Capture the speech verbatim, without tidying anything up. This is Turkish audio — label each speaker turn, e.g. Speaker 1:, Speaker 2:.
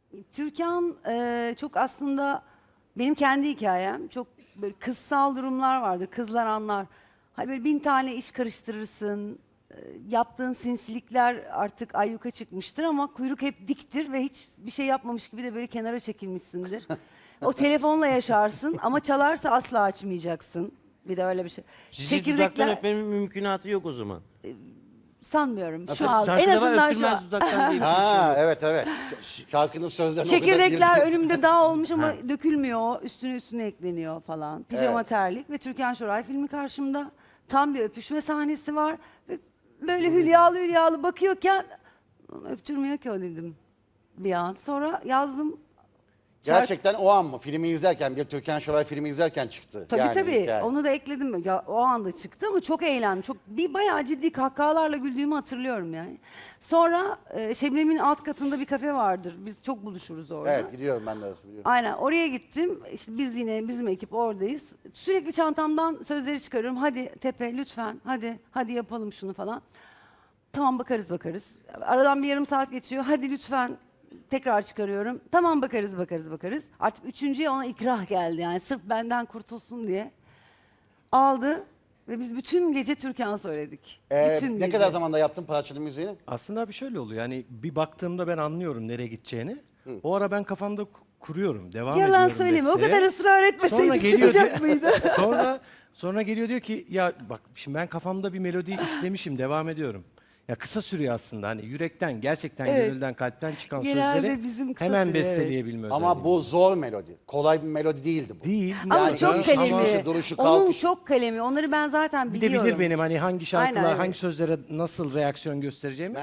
Speaker 1: Türkan e, çok aslında benim kendi hikayem. Çok böyle kızsal durumlar vardır. Kızlar anlar. Hani böyle bin tane iş karıştırırsın. e, Yaptığın sinsilikler artık ayyuka çıkmıştır ama kuyruk hep diktir ve hiç bir şey yapmamış gibi de böyle kenara çekilmişsindir. O telefonla yaşarsın ama çalarsa asla açmayacaksın. Bir de öyle bir şey.
Speaker 2: Sizi dudaktan öpmemin mümkünatı yok o zaman.
Speaker 1: sanmıyorum
Speaker 2: Nasıl?
Speaker 1: şu an. En
Speaker 2: Şarkıda var,
Speaker 1: azından şu
Speaker 2: öpülmez
Speaker 1: an.
Speaker 2: dudaktan diye bir şey
Speaker 3: Ha
Speaker 2: yok.
Speaker 3: evet evet. Ş- Şarkının sözlerine o kadar
Speaker 1: Çekirdekler
Speaker 3: girdi.
Speaker 1: önümde dağ olmuş ama
Speaker 2: Ha.
Speaker 1: dökülmüyor. Üstüne üstüne ekleniyor falan. Pijama
Speaker 3: Evet.
Speaker 1: terlik ve Türkan Şoray filmi karşımda. Tam bir öpüşme sahnesi var. Ve böyle hülyalı hülyalı bakıyorken öptürmüyor ki o dedim bir an. Sonra yazdım.
Speaker 3: Gerçekten o an mı? Filmi izlerken, bir Türkan Şoray filmi izlerken çıktı.
Speaker 1: Tabii
Speaker 3: yani
Speaker 1: tabii.
Speaker 3: hikaye.
Speaker 1: Onu da ekledim. Ya, o anda çıktı ama çok eğlendim. Çok bir bayağı ciddi kahkahalarla güldüğümü hatırlıyorum yani. Sonra e, Şebnem'in alt katında bir kafe vardır. Biz çok buluşuruz orada.
Speaker 3: Evet gidiyorum ben de arası biliyorum.
Speaker 1: Aynen oraya gittim. İşte biz yine bizim ekip oradayız. Sürekli çantamdan sözleri çıkarıyorum. Hadi Tepe lütfen. Hadi hadi yapalım şunu falan. Tamam bakarız bakarız. Aradan bir yarım saat geçiyor. Hadi lütfen. Tekrar çıkarıyorum. Tamam bakarız bakarız bakarız. Artık üçüncüye ona ikrah geldi yani sırf benden kurtulsun diye. Aldı ve biz bütün gece Türkan söyledik.
Speaker 3: Ee,
Speaker 1: bütün
Speaker 3: ne
Speaker 1: gece.
Speaker 3: kadar zamanda yaptın parçanın müziğini?
Speaker 4: Aslında bir şöyle oluyor. Yani bir baktığımda ben anlıyorum nereye gideceğini. O ara ben kafamda ku- kuruyorum, devam
Speaker 1: Yalan
Speaker 4: ediyorum
Speaker 1: söyleme. O
Speaker 4: besteye.
Speaker 1: kadar ısrar
Speaker 4: Sonra
Speaker 1: etmeseydik
Speaker 4: geliyor
Speaker 1: çıkacak
Speaker 4: diyor-
Speaker 1: mıydı?
Speaker 4: sonra sonra geliyor diyor ki ya bak şimdi ben kafamda bir melodi istemişim, devam ediyorum. Ya kısa sürüyor aslında hani yürekten, gerçekten
Speaker 1: Evet.
Speaker 4: gönülden, kalpten çıkan
Speaker 1: Genelde
Speaker 4: sözleri
Speaker 1: bizim kısa
Speaker 4: hemen
Speaker 1: sürüyor, evet.
Speaker 4: besteleyebilme
Speaker 3: Ama
Speaker 4: özelliği.
Speaker 3: bu zor melodi. Kolay bir melodi değildi bu.
Speaker 4: değil.
Speaker 1: Ama
Speaker 3: Yani
Speaker 1: çok
Speaker 3: giriş,
Speaker 1: kalemi.
Speaker 3: çıkışı, duruşu,
Speaker 1: Onun
Speaker 3: kalkışı.
Speaker 1: çok kalemi. Onları ben zaten
Speaker 4: Bir de
Speaker 1: biliyorum.
Speaker 4: bilir benim hani hangi şarkılar,
Speaker 1: Aynen, evet.
Speaker 4: hangi sözlere nasıl reaksiyon göstereceğimi.